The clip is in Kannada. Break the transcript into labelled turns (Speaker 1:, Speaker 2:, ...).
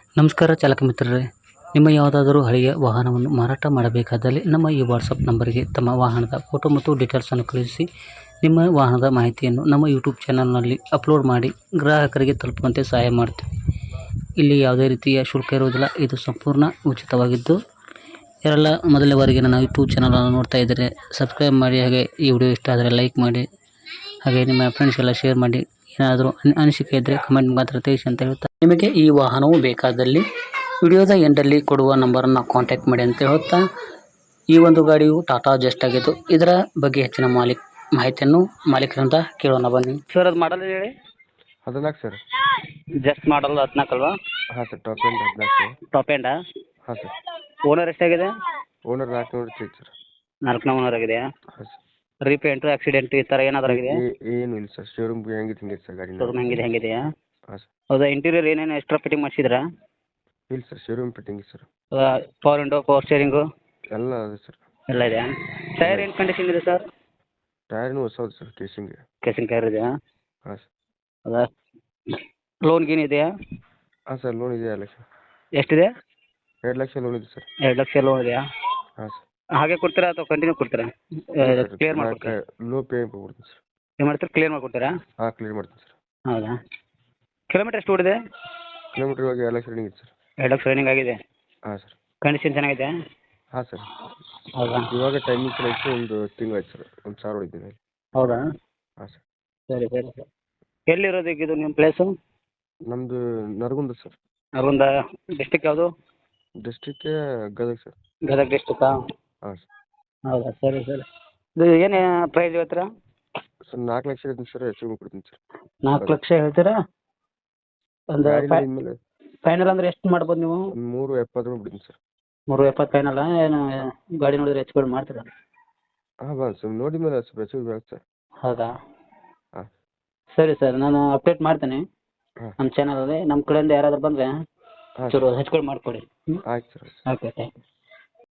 Speaker 1: ನಮಸ್ಕಾರ ಚಾಲಕ ಮಿತ್ರರೇ, ನಿಮ್ಮ ಯಾವುದಾದರೂ ಹಳೆಯ ವಾಹನವನ್ನು ಮಾರಾಟ ಮಾಡಬೇಕಾದಲ್ಲಿ ನಮ್ಮ ಈ ವಾಟ್ಸಪ್ ನಂಬರಿಗೆ ತಮ್ಮ ವಾಹನದ ಫೋಟೋ ಮತ್ತು ಡೀಟೇಲ್ಸನ್ನು ಕಳುಹಿಸಿ ನಿಮ್ಮ ವಾಹನದ ಮಾಹಿತಿಯನ್ನು ನಮ್ಮ ಯೂಟ್ಯೂಬ್ ಚಾನಲ್ನಲ್ಲಿ ಅಪ್ಲೋಡ್ ಮಾಡಿ ಗ್ರಾಹಕರಿಗೆ ತಲುಪುವಂತೆ ಸಹಾಯ ಮಾಡ್ತೀವಿ. ಇಲ್ಲಿ ಯಾವುದೇ ರೀತಿಯ ಶುಲ್ಕ ಇರುವುದಿಲ್ಲ. ಇದು ಸಂಪೂರ್ಣ ಉಚಿತವಾಗಿದ್ದು, ಯಾರೆಲ್ಲ ಮೊದಲನೇ ಬಾರಿಗೆ ನನ್ನ ಯೂಟ್ಯೂಬ್ ಚಾನಲನ್ನು ನೋಡ್ತಾ ಇದ್ದರೆ ಸಬ್ಸ್ಕ್ರೈಬ್ ಮಾಡಿ, ಹಾಗೆ ಈ ವಿಡಿಯೋ ಇಷ್ಟ ಆದರೆ ಲೈಕ್ ಮಾಡಿ, ಹಾಗೆ ನಿಮ್ಮ ಫ್ರೆಂಡ್ಸ್ಗೆಲ್ಲ ಶೇರ್ ಮಾಡಿ. ಏನಾದರೂ ಅನಿಸಿಕೆ ಇದ್ದರೆ ಕಮೆಂಟ್ ಮಾತ್ರ ತಿಳಿಸಿ ಅಂತ ಹೇಳ್ತಾ, ನಿಮಗೆ ಈ ವಾಹನವು ಬೇಕಾದಲ್ಲಿ ವಿಡಿಯೋದ ಎಂಡಲ್ಲಿ ಕೊಡುವ ನಂಬರನ್ನು ಕಾಂಟ್ಯಾಕ್ಟ್ ಮಾಡಿ ಅಂತ ಹೇಳ್ತಾ, ಈ ಒಂದು ಗಾಡಿಯು ಟಾಟಾ ಜಸ್ಟ್ ಆಗಿದ್ದು, ಇದರ ಬಗ್ಗೆ ಹೆಚ್ಚಿನ ಮಾಹಿತಿಯನ್ನು ಮಾಲೀಕರಿಂದ ಕೇಳೋಣ ಬನ್ನಿ. ಸರ್, ಅದು ಮಾಡಲ್ ಹೇಳಿ.
Speaker 2: 14 ಸರ್.
Speaker 1: ಜಸ್ಟ್ ಮಾಡಲ್ 14 ಅಲ್ವಾ?
Speaker 2: ಹಾಂ ಸರ್, ಟಾಪ್ ಎಂಡ್ 14.
Speaker 1: ಟಾಪ್ ಎಂಡಾ?
Speaker 2: ಹಾಂ ಸರ್.
Speaker 1: ಓನರ್ ಎಷ್ಟಾಗಿದೆ?
Speaker 2: ಓನರ್ 400 ಸರ್.
Speaker 1: 4ನೇ ಓನರ್ ಆಗಿದೆಯಾ?
Speaker 2: ಹಾಂ ಸರ್.
Speaker 1: ರೀಪೇಂಟು, ಆಕ್ಸಿಡೆಂಟು ಈ ಥರ ಏನಾದರೂ ಆಗಿದೆ?
Speaker 2: ಏನು ಇಲ್ಲ ಸರ್, ಶೋರೂಮ್ ಹೆಂಗಿತ್ತು ಹಿಂಗೆ ಸರ್ ಗಾಡಿ.
Speaker 1: ಶೋರೂಮ್ ಹೆಂಗಿದೆಯಾ?
Speaker 2: ಹಾಂ ಸರ್.
Speaker 1: ಹೌದಾ? ಇಂಟೀರಿಯರ್ ಏನೇನು ಎಕ್ಸ್ಟ್ರಾ ಫಿಟ್ಟಿಂಗ್ ಮಾಡಿಸಿದ್ರಾ?
Speaker 2: ಇಲ್ಲ sir, showroom fitting sir.
Speaker 1: Power window, power steering
Speaker 2: ಎಲ್ಲ ಅದೇ ಸರ್.
Speaker 1: ಎಲ್ಲ ಇದೆಯಾ? ಟೈರ್ ಏನು ಕಂಡೀಷನ್ ಇದೆ ಸರ್?
Speaker 2: ಟೈರ್ನು ಹೊಸದು ಸರ್,
Speaker 1: ಕೇಸಿಂಗ್ ಟೈರ್ ಇದೆಯಾ?
Speaker 2: ಹಾಂ ಸರ್.
Speaker 1: ಹೌದಾ? ಲೋನ್ ಗೀನ್ ಇದೆಯಾ?
Speaker 2: ಹಾಂ ಸರ್, ಲೋನ್ ಇದೆ 2 ಲಕ್ಷ.
Speaker 1: ಎಷ್ಟಿದೆ?
Speaker 2: 2 ಲಕ್ಷ ಲೋನ್ ಇದೆ ಸರ್.
Speaker 1: 2 ಲಕ್ಷ ಲೋನ್ ಇದೆಯಾ?
Speaker 2: ಹಾಂ ಸರ್.
Speaker 1: ಹಾಗೆ ಕೊಡ್ತೀರಾ ಅಥವಾ ಕಂಟಿನ್ಯೂ ಕೊಡ್ತೀರಾ? ಕ್ಲಿಯರ್ ಮಾಡ್ಕೊಡ್ತೀರಾ?
Speaker 2: ಲೋ ಪೇ ಕೊಡ್ತೀನಿ ಸರ್.
Speaker 1: ಏನು ಮಾಡ್ತೀರಾ? ಕ್ಲಿಯರ್ ಮಾಡಿಕೊಡ್ತೀರಾ?
Speaker 2: ಹಾಂ, ಕ್ಲಿಯರ್ ಮಾಡ್ತೀನಿ ಸರ್.
Speaker 1: ಹೌದಾ? ಕಿಲೋಮೀಟರ್ ಎಷ್ಟು ಓಡಿದೆ?
Speaker 2: ಕಿಲೋಮೀಟ್ರ್ ಇವಾಗ 2 ಲಕ್ಷ ರನ್ನಿಂಗ್ ಇದೆ ಸರ್.
Speaker 1: 2 ಲಕ್ಷ ರನ್ನಿಂಗ್ ಆಗಿದೆ.
Speaker 2: ಹಾಂ ಸರ್.
Speaker 1: ಕಂಡೀಷನ್ ಚೆನ್ನಾಗಿದೆ?
Speaker 2: ಹಾಂ ಸರ್.
Speaker 1: ಹೌದಾ?
Speaker 2: ಇವಾಗ ಟೈಮಿಂಗ್ ಚೆನ್ನಾಗಿತ್ತು, ಒಂದು ತಿಂಗಳಾಯ್ತು ಸರ್. 1,000 ಹೊಡಿದ್ದೀನಿ.
Speaker 1: ಹೌದಾ?
Speaker 2: ಹಾಂ ಸರ್.
Speaker 1: ಸರಿ ಸರಿ ಸರ್. ಎಲ್ಲಿರೋದು ಈಗ ಇದು ನಿಮ್ಮ ಪ್ಲೇಸು?
Speaker 2: ನಮ್ಮದು ನರಗುಂದ ಸರ್.
Speaker 1: ನರಗುಂದ. ಡಿಸ್ಟಿಕ್ ಯಾವುದು?
Speaker 2: ಡಿಸ್ಟ್ರಿಕ್ಟೇ ಗದಗ ಸರ್.
Speaker 1: ಗದಗ ಡಿಸ್ಟಿಕ್ಕಾ?
Speaker 2: ಹಾಂ ಸರ್.
Speaker 1: ಹೌದಾ? ಸರಿ ಸರಿ. ಇದು ಏನು ಪ್ರೈಸ್ ಹೇಳ್ತೀರಾ?
Speaker 2: ಸರ್ 4 ಲಕ್ಷ ಹೇಳ್ತೀನಿ ಸರ್, ಹೆಚ್ಚು ಕೊಡ್ತೀನಿ ಸರ್.
Speaker 1: 4 ಲಕ್ಷ ಹೇಳ್ತೀರಾ? ಒಂದು
Speaker 2: ಮೇಲೆ
Speaker 1: ಫೈನಲ್ ಅಂದರೆ ಎಷ್ಟು ಮಾಡ್ಬೋದು ನೀವು?
Speaker 2: 370 ಬಿಡ್ತೀನಿ ಸರ್.
Speaker 1: 370 ಫೈನಲ್ಲ? ಏನು ಗಾಡಿ ನೋಡಿದ್ರೆ ಹೆಚ್ಚು ಕಡಿಮೆ ಮಾಡ್ತೀರಾ?
Speaker 2: ಹಾಂ, ಬಾ ಸರ್, ನೋಡಿ ಮೇಲೆ ಸ್ವಲ್ಪ ಹೆಚ್ಚು ಬರುತ್ತೆ ಸರ್.
Speaker 1: ಹೌದಾ?
Speaker 2: ಹಾಂ.
Speaker 1: ಸರಿ ಸರ್, ನಾನು ಅಪ್ಡೇಟ್ ಮಾಡ್ತೀನಿ
Speaker 2: ಹಾಂ.
Speaker 1: ನಮ್ಮ ಚಾನಲಲ್ಲಿ. ನಮ್ಮ ಕಡೆಯಿಂದ ಯಾರಾದರೂ ಬಂದರೆ
Speaker 2: ಹಾಂ
Speaker 1: ಚೂರು ಹೆಚ್ಚು ಕಡಿಮೆ ಮಾಡಿಕೊಡಿ.
Speaker 2: ಆಯ್ತು ಸರ್.
Speaker 1: Okay, thank you.